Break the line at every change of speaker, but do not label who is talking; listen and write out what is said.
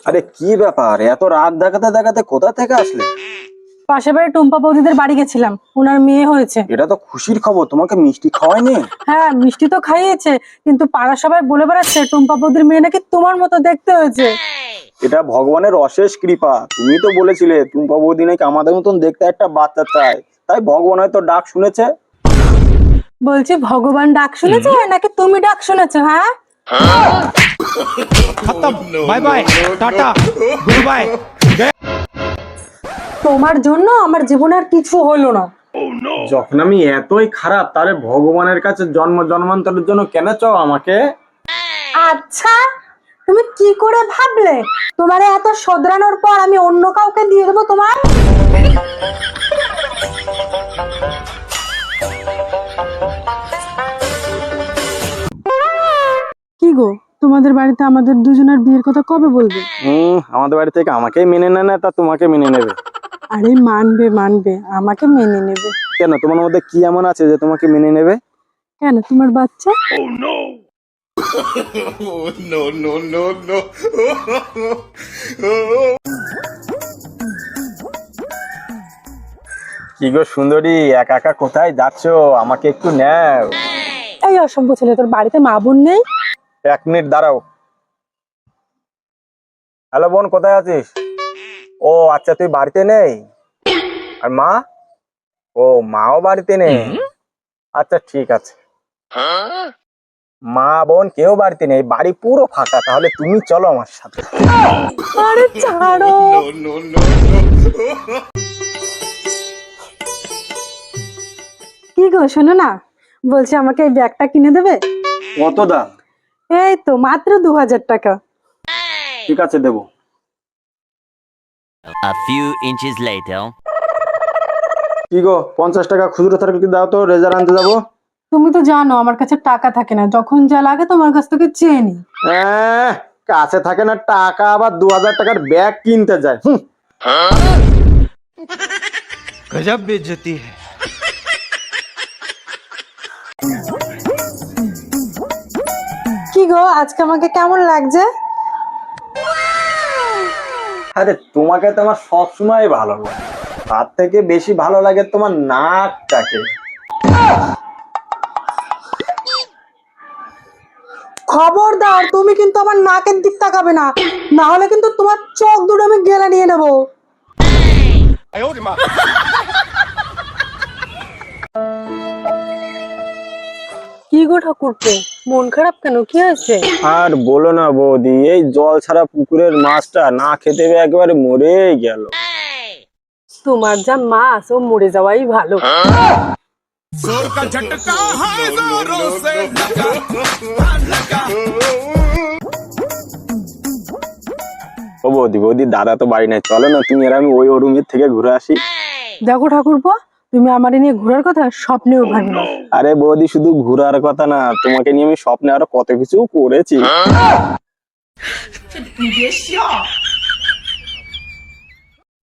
আরে কি ব্যাপার, এত রাত দেখাতে দেখাতে কোথা থেকে আসলে?
পাশের বাড়ি টুম্পা বৌদিদের বাড়ি গেছিলাম, ওনার মেয়ে হয়েছে।
এটা তো খুশির খবর, তোমাকে মিষ্টি খাওয়ায়নি?
হ্যাঁ, মিষ্টি তো খাইয়েছে, কিন্তু পাড়া সবাই বলে বেড়াচ্ছে টুম্পা বৌদির মেয়ে নাকি তোমার মতো দেখতে হয়েছে।
এটা ভগবানের অশেষ কৃপা। তুমি তো বলেছিলে টুম্পা বৌদি নাকি আমাদের মতন দেখতে একটা বাচ্চা চায়, তাই ভগবান হয়তো ডাক শুনেছে।
বলছি ভগবান ডাক শুনেছে নাকি তুমি ডাক শুনেছো? হ্যাঁ,
bye bye tata good bye.
তোমার জন্য আমার জীবনে আর কিছু হলো না।
যখন আমি এতই খারাপ, তাহলে ভগবানের কাছে জন্ম জন্মান্তরের জন্য কেন চাও আমাকে?
আচ্ছা, তুমি কি করে ভাবলে তোমারে এত শোধরানোর পর আমি অন্য কাউকে দিয়ে দেবো তোমার? কি গো, তোমাদের বাড়িতে আমাদের দুজনের বিয়ের কথা কবে বলবে?
আমাদের বাড়ি থেকে আমাকেই মেনে নেয় না, তা তোমাকে মেনে নেবে?
আরে মানবে মানবে, আমাকে মেনে নেবে।
কেন, তোমার মধ্যে কি এমন আছে যে তোমাকে মেনে নেবে?
কেন, তোমার বাচ্চা?
কি গো সুন্দরী, একা একা কোথায় যাচ্ছো? আমাকে একটু নাও।
এই অসভ্য ছেলে, তোর বাড়িতে মা বোন নেই?
1 মিনিট দাঁড়াও। হ্যালো বোন, কোথায় আছিস? ও আচ্ছা, তুই বাড়িতে নেই? আর মা? ও, মাও বাড়িতে নেই। আচ্ছা ঠিক আছে। মা বোন কেউ বাড়িতে নেই, বাড়ি পুরো ফাঁকা। তাহলে তুমি চলো আমার সাথে।
আরে ছাড়ো। কি গো, শোনো না, বলছি আমাকে এই ব্যাগটা কিনে দেবে?
কত দাম?
এই তো মাত্র 2000 টাকা।
ঠিক আছে, দেবো।
A few inches later.
কি গো, 50 টাকা খুচরো থাকলে দাও তো, রেজার আনতে যাবো।
তুমি তো জানো আমার কাছে টাকা থাকে না, যখন যা লাগে তোমার কাছ থেকে চেয়ে নি।
কাছে থাকে না টাকা, আবার 2000 টাকার ব্যাগ কিনতে যায়।
गजब बेइज्जती है।
কি গো, আজকে আমাকে কেমন লাগছে?
আরে তোমাকে তো আমার সবসময় ভালো লাগে, তার থেকে বেশি ভালো লাগে তোমার নাকটাকে।
খবরদার, তুমি কিন্তু আমার নাকের দিক তাকাবে না, না হলে কিন্তু তোমার চোখ দুটো আমি গেলা নিয়ে নেবো। কি গো ঠাকুরপো, মন খারাপ কেন, কি হয়েছে?
আর বলো না বৌদি, এই জল ছাড়া পুকুরের মাছটা না খেতে পেয়ে একেবারে মরেই গেল।
তোমার যা মাছ, ও মরে যাওয়াই ভালো।
जोर का झटका है जोरों से लगा।
ও বৌদি, বৌদি দাদা তো বাড়ি নাই, চলো না তুমি আর আমি ওই রুমের থেকে ঘুরে আসি।
দেখো ঠাকুরপো, তুমি আমার নিয়ে ঘোরার কথা স্বপ্নেও ভাবি না।
আরে বৌদি, শুধু ঘুরার কথা না, তোমাকে নিয়ে আমি স্বপ্নে আরো কত কিছু করেছি।